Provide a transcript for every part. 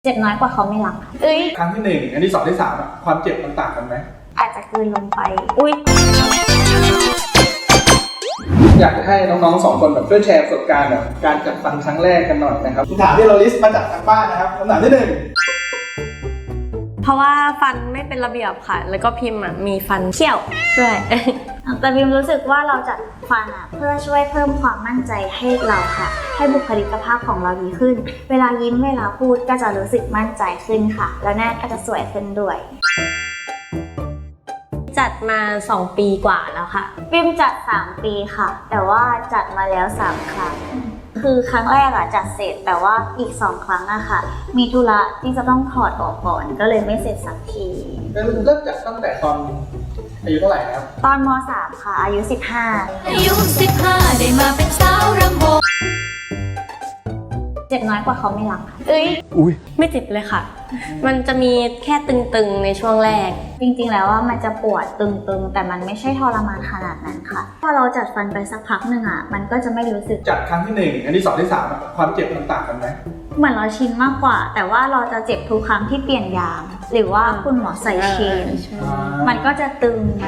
เจ็บน้อยกว่าเขาไม่รักครั้งที่1อันที่2ที่3อะความเจ็บมันต่างกันไหมอาจจะกลืนลงไปอยากให้น้องๆ2คนแบบช่วยแชร์ประสบการณ์แบบการจัดฟันครั้งแรกกันหน่อยนะครับคำถามที่เราลิสต์มาจากทางบ้านนะครับคำถามที่1 เพราะว่าฟันไม่เป็นระเบียบค่ะแล้วก็พิมพ์มีฟันเขี้ยวด้วยแต่พิมรู้สึกว่าเราจัดฟันเพื่อช่วยเพิ่มความมั่นใจให้เราค่ะให้บุคลิกภาพของเราดีขึ้นเวลายิ้มเวลาพูดก็จะรู้สึกมั่นใจขึ้นค่ะแล้วหน้าก็จะสวยขึ้นด้วยจัดมา2 ปีกว่าแล้วค่ะพิมจัด3 ปีค่ะแต่ว่าจัดมาแล้ว3 ครั้งคือครั้งแรกจัดเสร็จแต่ว่าอีก2 ครั้งค่ะมีธุระที่จะต้องถอดออกก่อนก็เลยไม่เสร็จสักทีเริ่มจัดตั้งแต่ตอนอายุเท่าไหร่ครับตอนม.3 ค่ะอายุ15 ได้มาเป็นสาวรำวงเจ็บน้อยกว่าเขาไม่รักไม่เจ็บเลยค่ะมันจะมีแค่ตึงๆในช่วงแรกจริงๆแล้วว่ามันจะปวดตึงๆแต่มันไม่ใช่ทรมานขนาดนั้นค่ะพอเราจัดฟันไปสักพักหนึ่งมันก็จะไม่รู้สึกจัดครั้งที่1อันที่2ที่3อะความเจ็บมันต่างกันไหมเหมือนเราชินมากกว่าแต่ว่าเราจะเจ็บทุกครั้งที่เปลี่ยนยางหรือว่าคุณหมอใส่เชนมันก็จะตึงไป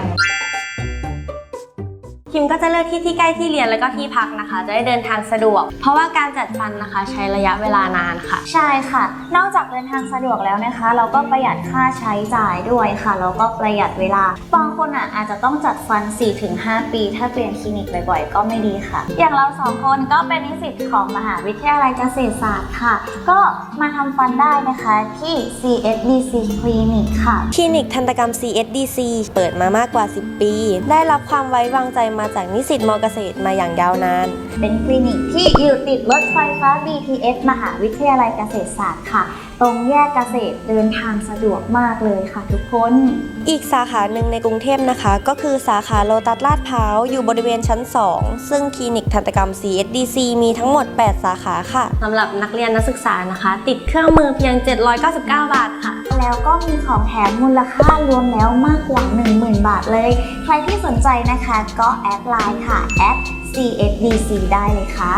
พิมก็จะเลือกที่ใกล้ที่เรียนแล้วก็ที่พักนะคะจะได้เดินทางสะดวกเพราะว่าการจัดฟันนะคะใช้ระยะเวลานานค่ะใช่ค่ะนอกจากเดินทางสะดวกแล้วนะคะเราก็ประหยัดค่าใช้จ่ายด้วยค่ะแล้วก็ประหยัดเวลาบางคนอาจจะต้องจัดฟัน 4-5 ปีถ้าเปลี่ยนคลินิกบ่อยๆก็ไม่ดีค่ะอย่างเรา2 คนก็เป็นนิสิตของมหาวิทยาลัยเกษตรศาสตร์ค่ะก็มาทำฟันได้นะคะที่ CSDC คลินิกค่ะคลินิกทันตกรรม CSDC เปิดมามากกว่า10 ปีได้รับความไว้วางใจมาจากนิสิตม.เกษตรมาอย่างยาวนานเป็นคลินิกที่อยู่ติดรถไฟฟ้า BTS มหาวิทยาลัยเกษตรศาสตร์ค่ะตรงแยกเกษตรเดินทางสะดวกมากเลยค่ะทุกคนอีกสาขาหนึ่งในกรุงเทพนะคะก็คือสาขาโลตัสลาดพร้าวอยู่บริเวณชั้น2ซึ่งคลินิกทันตกรรม CSDC มีทั้งหมด8 สาขาค่ะสำหรับนักเรียนนักศึกษานะคะติดเครื่องมือเพียง799 บาทค่ะแล้วก็มีของแถมมูลค่ารวมแล้วมากกว่า 10,000 บาทเลยใครที่สนใจนะคะก็แอดไลน์ค่ะ@CSDC ได้เลยค่ะ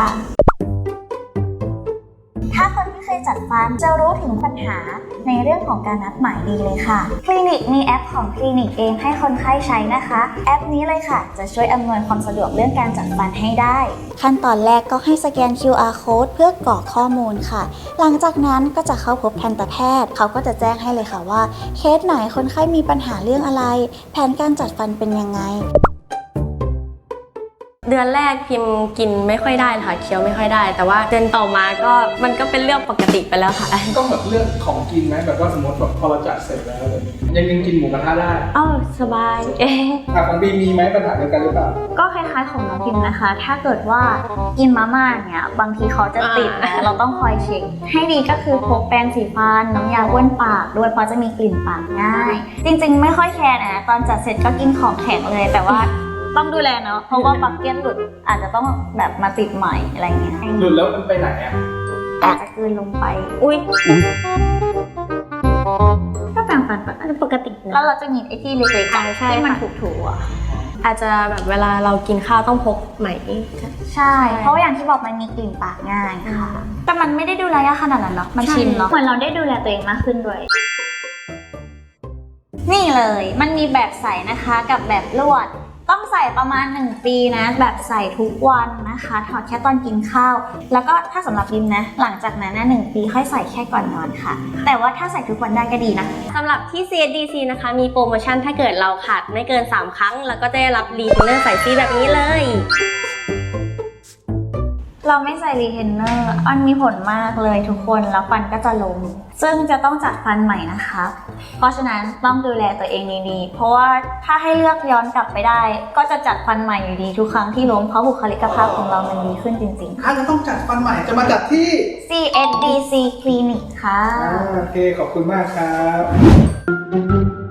ถ้าคนที่เคยจัดฟันจะรู้ถึงปัญหาในเรื่องของการนัดหมายดีเลยค่ะคลินิกมีแอปของคลินิกเองให้คนไข้ใช้นะคะแอปนี้เลยค่ะจะช่วยอำนวยความสะดวกเรื่องการจัดฟันให้ได้ขั้นตอนแรกก็ให้สแกน QR code เพื่อกรอกข้อมูลค่ะหลังจากนั้นก็จะเข้าพบทันตแพทย์เขาก็จะแจ้งให้เลยค่ะว่าเคสไหนคนไข้มีปัญหาเรื่องอะไรแผนการจัดฟันเป็นยังไงเดือนแรกพิมกินไม่ค่อยได้ค่ะเคี้ยวไม่ค่อยได้แต่ว่าเดือนต่อมาก็มันก็เป็นเรื่องปกติไปแล้วค่ะก็แบบเรื่องของกินไหมแบบว่าสมมติแบบพอเราจัดเสร็จแล้วยังกินหมูกระทะได้สบายของบีมีไหมปัญหาเดียวกันหรือเปล่าก็คล้ายๆของน้องพิมนะคะถ้าเกิดว่ากินมาม่าเนี่ยบางทีเขาจะติดนะเราต้องคอยเช็คให้ดีก็คือพกแปรงสีฟันน้ำยาบ้วนปากด้วยเพราะจะมีกลิ่นปากง่ายจริงๆไม่ค่อยแคร์นะตอนจัดเสร็จก็กินของแข็งเลยแต่ว่าต้องดูแลเนาะเพราะว่าบักเก็ตหลุดอาจจะต้องแบบมาติดใหม่อะไรเงี้ยหลุดแล้วมันไปไหนอาจจะกลืนลงไปก็แปรงฟันปกตินะแล้วเราจะมีไอ้ที่เล็กๆที่มันถูอาจจะแบบเวลาเรากินข้าวต้องพกไหมใช่เพราะอย่างที่บอกมันมีกลิ่นปากง่ายค่ะแต่มันไม่ได้ดูแลยากขนาดนั้นเนาะมันชินเนาะเหมือนเราได้ดูแลตัวเองมากขึ้นด้วยนี่เลยมันมีแบบใส่นะคะกับแบบลวดต้องใส่ประมาณ1 ปีนะแบบใส่ทุกวันนะคะถอดแค่ตอนกินข้าวแล้วก็ถ้าสำหรับยิมนะหลังจากนั้น1 ปีค่อยใส่แค่ก่อนนอนค่ะแต่ว่าถ้าใส่ทุกวันได้ก็ดีนะสำหรับที่ CSDC นะคะมีโปรโมชั่นถ้าเกิดเราขาดไม่เกิน3 ครั้งแล้วก็จะได้รับรีเทนเนอร์ใส่ฟรีแบบนี้เลยเราไม่ใส่รีเทนเนอร์มันมีผลมากเลยทุกคนแล้วฟันก็จะล้มซึ่งจะต้องจัดฟันใหม่นะคะเพราะฉะนั้นต้องดูแลตัวเองดีๆเพราะว่าถ้าให้เลือกย้อนกลับไปได้ก็จะจัดฟันใหม่อยู่ดีทุกครั้งที่ล้มเพราะบุคลิกภาพของเรามันดีขึ้นจริงๆถ้าจะต้องจัดฟันใหม่จะมาจัดที่ CSDC คลินิกค่ะโอเคขอบคุณมากครับ